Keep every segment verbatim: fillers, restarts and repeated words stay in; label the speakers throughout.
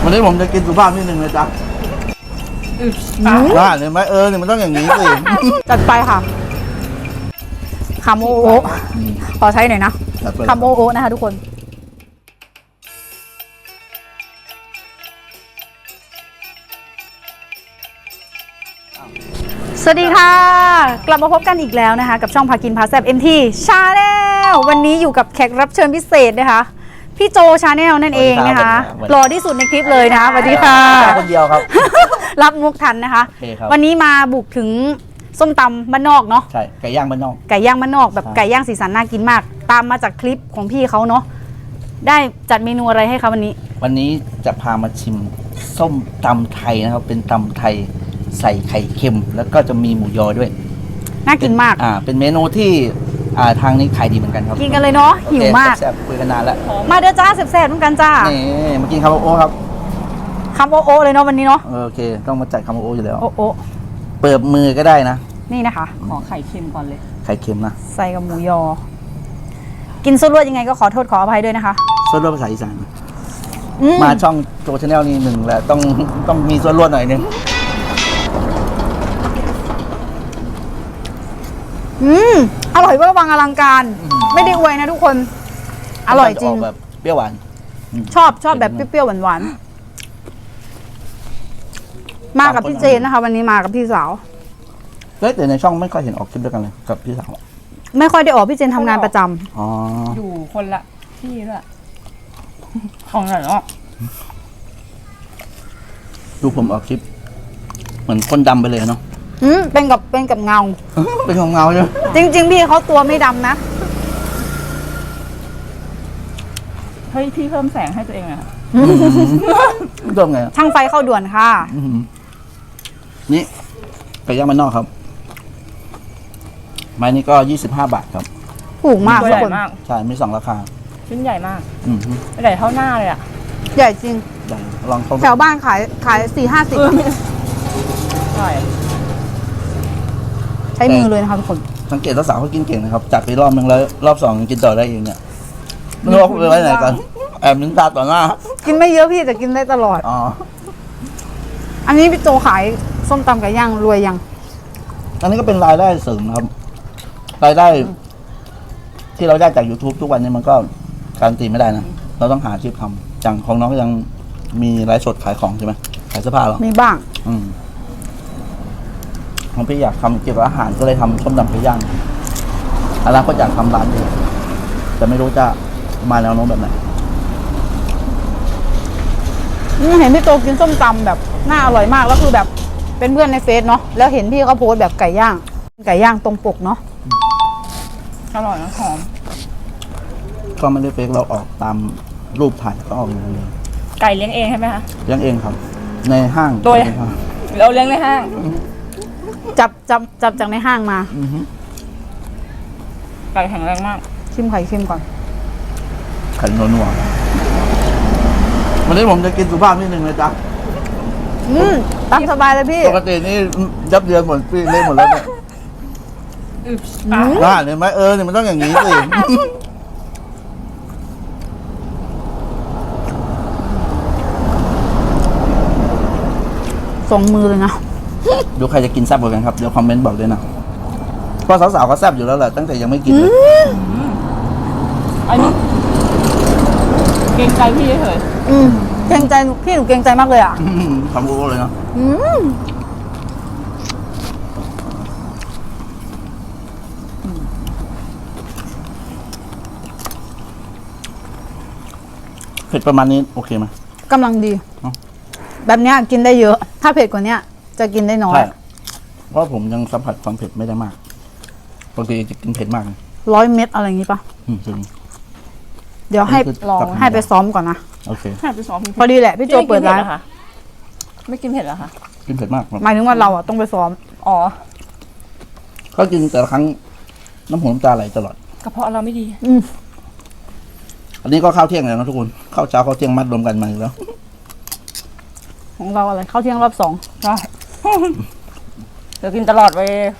Speaker 1: วันนี้ผมจะกินสุภาพนิดนึงนะจ๊ะว่าเห็นไหมเออเนี่ยมันต้องอย่างนี้สิ
Speaker 2: จัดไปค่ะคำโอโอขอใช้หน่อยนะคำโอโอนะคะทุกคนสวัสดีค่ะกลับมาพบกันอีกแล้วนะคะกับช่องพากินพาแซบ เอ็ม ที Channel วันนี้อยู่กับแขกรับเชิญพิเศษนะคะพี่โจ Channel นั่นเองนะคะหล่อที่สุดในคลิปเลยนะคะสวัสดีค่ะ
Speaker 1: คนเดียวครับ
Speaker 2: รับมุกทันนะคะวันนี้มาบุกถึงส้มตำบ้านนอกเนาะ
Speaker 1: ใช่ไก่ย่างบ้านนอก
Speaker 2: ไก่ย่างบ้านนอกแบบไก่ย่างสีสันน่ากินมากตามมาจากคลิปของพี่เขาเนาะได้จัดเมนูอะไรให้คะวันนี้
Speaker 1: วันนี้จะพามาชิมส้มตำไทยนะครับเป็นตำไทยใส่ไข่เค็มแล้วก็จะมีหมูยอด้วย
Speaker 2: น่ากินมาก
Speaker 1: อ่าเป็นเมนูที่อ่าทางนี้ขายดีเหมือนกันครับ
Speaker 2: กินกันเลยเนาะหิวมาก
Speaker 1: แซ่บคุยกันนานแล้ว
Speaker 2: มาเด้อจ้าแซ่บๆเหมือนกันจ้า
Speaker 1: นี่มากินคำโอครับ
Speaker 2: คำโอโอเลยเนาะวันนี้เนาะ
Speaker 1: โอเคต้องมาจัดคำโออยู่แล้ว
Speaker 2: โอโอ
Speaker 1: เปิดมือก็ได้นะ
Speaker 2: นี่นะคะ
Speaker 3: ขอไข่เค็มก่อนเลย
Speaker 1: ไข่เค็มนะ
Speaker 2: ใส่กับหมูยอกินซุปรวดยังไงก็ขอโทษขออภัยด้วยนะคะ
Speaker 1: ซุปรวดภาษาอีสานมาช่องโจ Channel นี่หนึ่งแหละต้องต้องมีซุปรวดหน่อยนึง
Speaker 2: อืมอร่อยเวอร์วังอลังการไม่ได้อวยนะทุกคนอร่อยจริง
Speaker 1: แบบเปรี้ยวหวาน
Speaker 2: ชอบชอบแบบเปรี้ยวๆหวานๆมากับพี่เจนนะคะวันนี้มากับพี่สาว
Speaker 1: เฮ้ยแต่ในช่องไม่ค่อยเห็นออกคลิปด้วยกันเลยกับพี่สาว
Speaker 2: ไม่ค่อยได้ออกพี่เจนทำงานประจำ
Speaker 1: อ๋อ
Speaker 3: อยู่คนละที่ด้วยของไหนเนาะ
Speaker 1: ดูผมออกคลิปเหมือนคนดำไปเลยเนาะ
Speaker 2: อืมเป็นกับเป็นกับเงา
Speaker 1: เป็นของเงาใช่ไหม
Speaker 2: จริงๆพี่เขาตัวไม่ดำนะ
Speaker 3: เฮ้ยพี่เพิ่มแสงให้ตัวเองอะ
Speaker 1: เริ่มไง
Speaker 2: ช่างไฟเข้าด่วนค่ะ
Speaker 1: นี่ไก่ย่างบ้านนอกครับไม้นี้ก็ยี่สิบห้าบาทครับ
Speaker 2: ถูกมาก
Speaker 3: ตัวใหญ่มาก
Speaker 1: ใช่มีสองราคา
Speaker 3: ชิ้นใหญ่มาก
Speaker 1: อืม
Speaker 3: ใหญ่เท่าหน้าเลยอะ
Speaker 2: ใหญ่จริง
Speaker 1: ใหญ่ลอง
Speaker 2: แถวบ้านขายขายสี่ห้าสิบ
Speaker 3: ใช่
Speaker 2: ใช้มือเลยนะคะทุกคน
Speaker 1: สังเกตว่าสาวเขากินเก่งนะครับจัดไปรอบนึงแล้วรอบสองกินต่อได้เองเนี่ยไม่รู้ว่าไปไว้ไหนกันแอบนิ้นตาต่อหน้า
Speaker 2: กินไม่เยอะพี่แต่กินได้ตลอด
Speaker 1: อ๋อ
Speaker 2: อันนี้พี่โจขายส้มตำไก่ย่างรวยยัง
Speaker 1: อันนี้ก็เป็นรายได้เสริมนะครับรายได้ที่เราได้จาก YouTube ทุกวันนี้มันก็การันตีไม่ได้นะเราต้องหาอาชีพทำอย่างของน้องก็ยังมีไลฟ์สดขายของใช่ไหมขายเสื้อผ้าหรอ
Speaker 2: มีบ้าง
Speaker 1: อืมผมพี่อยากทำเกี่ยวกับอาหารก็เลยทำส้มตำไก่ย่างอะไรก็อยากทำร้านเลยแต่ไม่รู้จะมาแนวโน้มแบบไหน
Speaker 2: เห็นพี่โตกินส้มตำแบบน่าอร่อยมากแล้วคือแบบเป็นเพื่อนในเฟซเนาะแล้วเห็นพี่เขาโพสแบบไก่ย่างไก่ย่างตรงปกเนาะ
Speaker 3: อร่อยนะหอม
Speaker 1: ก็ไม่ได้เฟซเราออกตามรูปถ่ายก็ออกอย่างนี้
Speaker 3: ไก่เลี้ยงเองใช่ไหมคะ
Speaker 1: เลี้ยงเองครับในห้าง
Speaker 3: โดยเราเลี้ยงในห้าง
Speaker 2: จับจับจับจากในห้างมา
Speaker 3: ไก่แข็งแรงมาก
Speaker 2: ชิมไข่ชิมก่อน
Speaker 1: ไข่นัวๆวันนี้ผมจะกินสุภาพนิดนึงเลยจ้ะ
Speaker 2: อืมตามสบายเลยพี่
Speaker 1: ปกตินี่ยับเยินหมดพี่เล่นหมดแล้วเนี่ยว่าเห็นไหมเออเนี่ยมันต้องอย่างนี้สิ
Speaker 2: สองมือเลยนะ
Speaker 1: ดูใครจะกินแซ่บกว่ากันครับเดี๋ยวคอมเมนต์บอกด้วยนะเพราะสาวๆเขาแซ่บอยู่แล้วแหละตั้งแต่ยังไม่กินเลย
Speaker 3: อันนี้เกรงใจพี่เฉย
Speaker 2: อืมเกรงใจพี่หนูเกรงใจมากเลยอ่ะ
Speaker 1: ทำโอ้เลยเนาะเผ็ดประมาณนี้โอเคไหม
Speaker 2: กำลังดีแบบนี้กินได้เยอะถ้าเผ็ดกว่านี้จะกินได้น้อย
Speaker 1: เพราะผมยังสัมผัสความเผ็ดไม่ได้มากบางทีจะกินเผ็ดมาก
Speaker 2: ร้อยเม็ดอะไรอย่างนี้ปะเดี๋ยวให้ลองให้ไปซ้อมก่อนนะ
Speaker 1: โอเค
Speaker 3: ให้ไปซ้อม
Speaker 2: พอดีแหละพี่โจเปิดร้าน
Speaker 3: ไม่กินเผ็ดเหรอคะ
Speaker 1: กินเผ็ดมาก
Speaker 2: หมายถึงว่าเราอ่ะต้องไปซ้อม
Speaker 3: อ๋อ
Speaker 1: ก็กินแต่ละครั้งน้ำหูน้ำตาไหลตลอด
Speaker 3: กระเพาะเราไม่ดี
Speaker 2: อืม
Speaker 1: อันนี้ก็ข้าวเที่ยงแล้วนะทุกคนข้าวเช้าข้าวเที่ยงมัดรวมกันมาแล้ว
Speaker 2: ของเราอะไรข้าวเที่ยงรอบสอง
Speaker 3: ใช่เดี๋ยวกินตลอดไป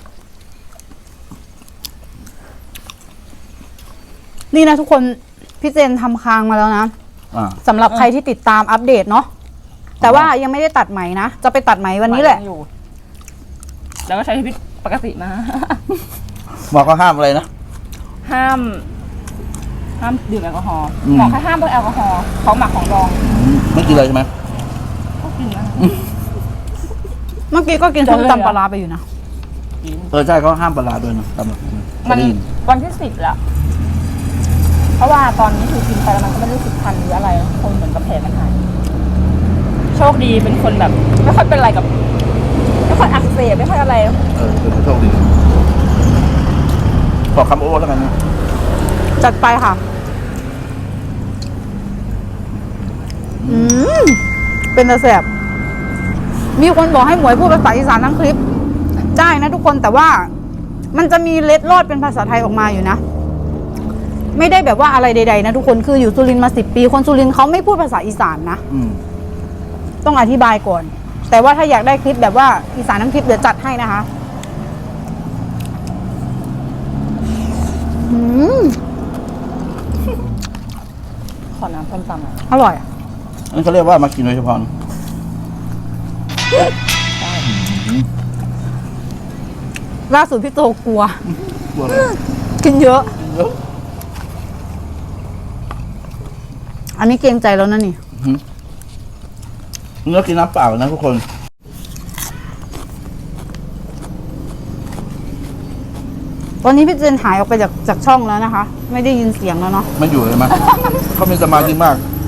Speaker 2: นี่นะทุกคนพี่เจนทำคางมาแล้วนะสำหรับใครที่ติดตามอัปเดตเนาะแต่ว่ายังไม่ได้ตัดไหมนะ จะไปตัดไหมวันนี้แหละ
Speaker 3: ยังอยู่แล้วก็ใช้ชีวิตปกติมา
Speaker 1: หมอเขาห้ามอะไรนะ
Speaker 3: ห้าม ห้ามดื่มแอลกอฮอล์
Speaker 1: อืม
Speaker 3: หมอแค่ห้ามพวกแอลกอฮอล์ของหมักของดอง
Speaker 1: อืมไม่กินเลยใช่ไหม
Speaker 3: ก็กินนะ
Speaker 2: เมื่อกี้ก็กินส้มตำปลาร้าไปอยู่นะ
Speaker 3: กิน
Speaker 1: เออใช่เขาห้ามปลาร้าด้วยนะตำแบบ
Speaker 3: มัน
Speaker 1: ได้ยิน
Speaker 3: วันที่สิบแล้ว เพราะว่าตอนนี้คือกินไปแล้วมันก็ไม่รู้สึกคันหรืออะไร คนเหมือนกับแผลมันหาย โชคดีเป็นคนแบบ ไม่ค่อยเป็นอะไรกับ ไม่ค่อยอักเสบไม่ค่อยอะไร
Speaker 1: เออเป็นโชคดีขอคำโอ้แล้วกันนะ
Speaker 2: จัดไปค่ะ อืม เป็นตะแสบ มีคนบอกให้หมวยพูดภาษาอีสานทั้งคลิป ได้นะทุกคนแต่ว่ามันจะมีเล็ดลอดเป็นภาษาไทยออกมาอยู่นะ ไม่ได้แบบว่าอะไรใดๆนะทุกคนคืออยู่สุรินทร์มาสิบปี คนสุรินทร์เขาไม่พูดภาษาอีสานนะ
Speaker 1: อืม
Speaker 2: ต้องอธิบายก่อน แต่ว่าถ้าอยากได้คลิปแบบว่าอีสานทั้งคลิปเดี๋ยวจัดให้นะคะ อืม
Speaker 3: ขอน้ำส้มตำหน่อย
Speaker 2: อร่อยอะ
Speaker 1: อันนี้เขาเรียกว่ามากินโดยเฉพาะนะ
Speaker 2: ล่าสุดพี่โตกลัว
Speaker 1: กลัวอะไร
Speaker 2: กินเยอะ
Speaker 1: เยอะ
Speaker 2: อันนี้เกรงใจแล้วนะนี่
Speaker 1: เนื้อกินน้ำเปล่านะทุกคน
Speaker 2: วันนี้พี่เจนหายออกไปจากจากช่องแล้วนะคะ ไม่ได้ยินเสียงแล้วเนาะ
Speaker 1: มันอยู่เลยมั้ย เขามีสมาธิมาก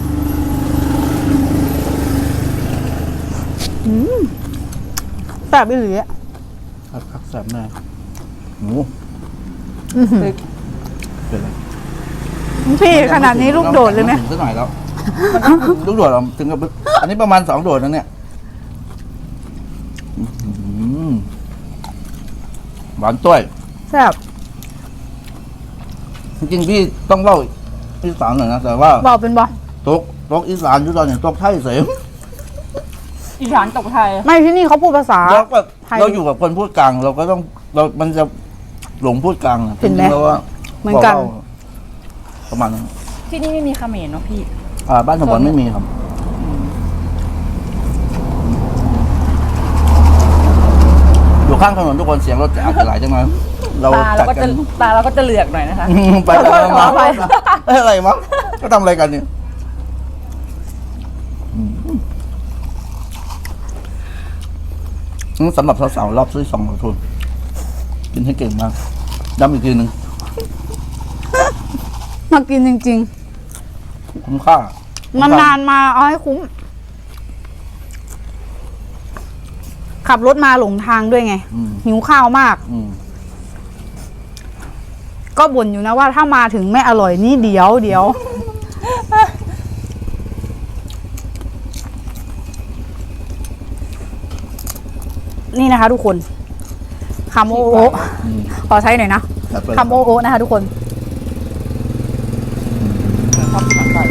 Speaker 2: แบบอีหลีอะ
Speaker 1: ครับครับแสบแน่หมู
Speaker 2: อื้อหือ
Speaker 1: เป็นไร
Speaker 2: พี่ขนาดนี้ลูกโดดเลยไหม
Speaker 1: ถึงสักหน่อยแล้ว ลูกโดดเราถึงกับอันนี้ประมาณสองโดดนะเนี่ยอื้อหือหวานต้วย
Speaker 2: แซ่บ
Speaker 1: จริงๆพี่ต้องเล่าอีสานหน่อยนะแต่ว่า
Speaker 2: บอกเป็นบอ
Speaker 1: ตกตกอีสานอยู่ตอนนี้ตกไทยเสีย
Speaker 3: อีสานตกไทย
Speaker 2: ไม่ที่นี่เขาพูดภาษา
Speaker 1: แล้วก็
Speaker 2: ไทย
Speaker 1: เราอยู่กับคนพูดกลาง เราก็ต้องเรา มันจะหลงพูดกลางนะ
Speaker 2: เห็นไหม
Speaker 1: จริงๆแล้วว่า
Speaker 2: เหมือนกัน
Speaker 1: บล่าประมาณนั้น
Speaker 3: ที่นี่ไม่มีเขมรเนาะพี่
Speaker 1: อ่าบ้านสมบัติไม่มีครับ อยู่ข้างถนนทุกคนเสียงรถจะอาจจะไหลจังเลยเรา
Speaker 3: ตาเรา
Speaker 1: จัด
Speaker 3: ก็
Speaker 1: กั
Speaker 3: จะ
Speaker 1: น
Speaker 3: ตาเราก็จะเหลือกหน่อยนะคะ
Speaker 1: ไปไปมามาเอ้ยอะไรมั้งก็ทำอะไรกันเนี่ยอืมอืมสำหรับสาวๆรอบซื้อสองขอโทษกินให้เก่งมากย้ำอีกทีหนึ่ง
Speaker 2: มากินจริง
Speaker 1: คุ้มค่า
Speaker 2: ๆ นานๆมาเอาให้คุ้ม ขับรถมาหลงทางด้วยไง
Speaker 1: อืม
Speaker 2: หิวข้าวมาก
Speaker 1: อืม
Speaker 2: ก็บ่นอยู่นะว่าถ้ามาถึงไม่อร่อยนี่เดี๋ยวเดี๋ยว นี่นะคะทุกคนคำโอโอ
Speaker 1: อืม
Speaker 2: ขอใช้หน่อยนะ
Speaker 1: จัดไป
Speaker 2: คำโอโอนะคะทุกคน
Speaker 3: ชอบกินหนังไก่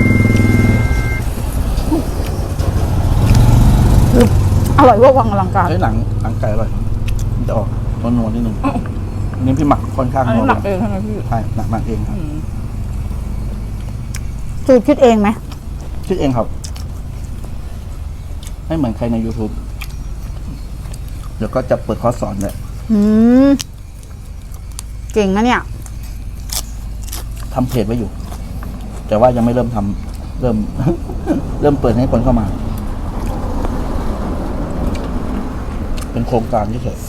Speaker 2: อร่อยเว่าวังอลังการ
Speaker 1: เฮ้ยหนังหนังไก่อร่อยมันจะออกนวลๆนิดนึงอันนี้พี่หมักค่อนข้าง
Speaker 3: อัน
Speaker 1: น
Speaker 3: นี้
Speaker 1: วล
Speaker 3: หมักเองใช่ไหมพี่
Speaker 1: ใช่หนักหมักเองครับ
Speaker 3: อืม
Speaker 2: สูตรคิดเองไหม
Speaker 1: คิดเองครับไม่เหมือนใครใน YouTube เดี๋ยวก็จะเปิดคอร์สสอนเลย
Speaker 2: อืม เก่งนะเนี่ย
Speaker 1: ทำเพจไว้อยู่ แต่ว่ายังไม่เริ่มทำเริ่ม เริ่มเปิดให้คนเข้ามา เป็นโครงการเฉย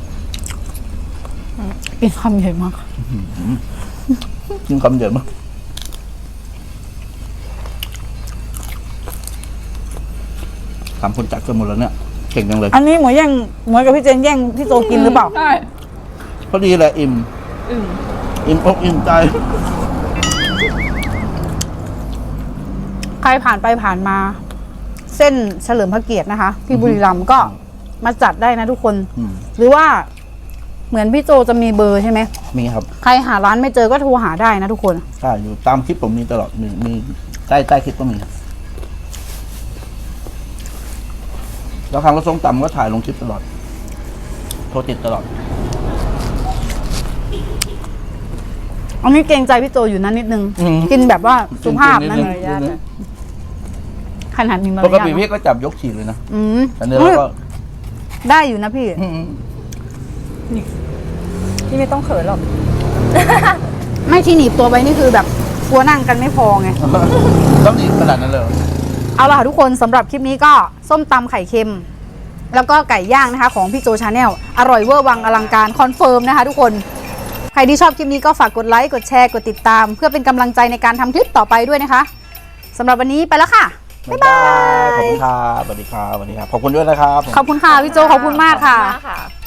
Speaker 2: กินคำใหญ่มาก
Speaker 1: ๆยิ่งคำเยอะมากถามคนจัดกันหมดแล้วเนี่ยเก่งจังเลย
Speaker 2: อันนี้หมวยแย่งหมวยกับพี่เจนแย่งพี่โตกินหรือเปล่า
Speaker 3: ใช่
Speaker 1: พอดีแหละอิ่ม
Speaker 3: อืม
Speaker 1: อิ่มอกอิ่มใจ
Speaker 2: ใครผ่านไปผ่านมา เส้นเฉลิมพระเกียรตินะคะ ที่บุรีรัมย์ก็มาจัดได้นะทุกคน
Speaker 1: อืม
Speaker 2: หรือว่าเหมือนพี่โจจะมีเบอร์ใช่ไหม
Speaker 1: มีครับ
Speaker 2: ใครหาร้านไม่เจอก็โทรหาได้นะทุกคน
Speaker 1: ใช่อยู่ตามคลิปผมมีตลอดมีมีใต้ใต้คลิปก็มี แล้วครั้งเราส้มตำก็ถ่ายลงคลิปตลอด โทรติดตลอด
Speaker 2: อันนี้เกรงใจพี่โจอยู่นั้นนิดนึง
Speaker 1: อืม
Speaker 2: กินแบบว่าสุภาพนั่น
Speaker 1: จริงๆ
Speaker 2: เลย
Speaker 1: นิดนึง
Speaker 2: ขนาดมีมาร
Speaker 1: ปก
Speaker 2: ยาท
Speaker 1: ติ
Speaker 2: เน
Speaker 1: พี่
Speaker 2: อะ
Speaker 1: ก็จับยกฉีดเลยนะ
Speaker 2: อืม
Speaker 1: แต่เนื้อเราก็
Speaker 2: ได้อยู่นะพี่
Speaker 1: อืม
Speaker 3: พี่ไม่ต้องเขินหรอก
Speaker 2: ไม่ที่หนีบตัวไว้นี่คือแบบกลัวนั่งกันไม่พอไง
Speaker 1: ต้องดีขนาดนั้นเลยเหรอ
Speaker 2: เอาล่ะค่ะทุกคนสำหรับคลิปนี้ก็ส้มตำไข่เค็ม แล้วก็ไก่ย่างนะคะของพี่โจชาแนลอร่อยเวอร์วังอลังการคอนเฟิร์มนะคะทุกคนใครที่ชอบคลิปนี้ก็ฝากกดไลค์กดแชร์กดติดตาม เพื่อเป็นกำลังใจในการทำคลิปต่อไปด้วยนะคะสำหรับวันนี้ไปแล้วค่ะ
Speaker 1: บ๊ายบายขอบคุณครับสวัสดีครับสวัสดีครับ ขอบคุณด้วยนะครับ
Speaker 2: ขอบคุณค่ะพี่โจขอบคุณมากค่ะ
Speaker 3: ขอบณมากค่ะ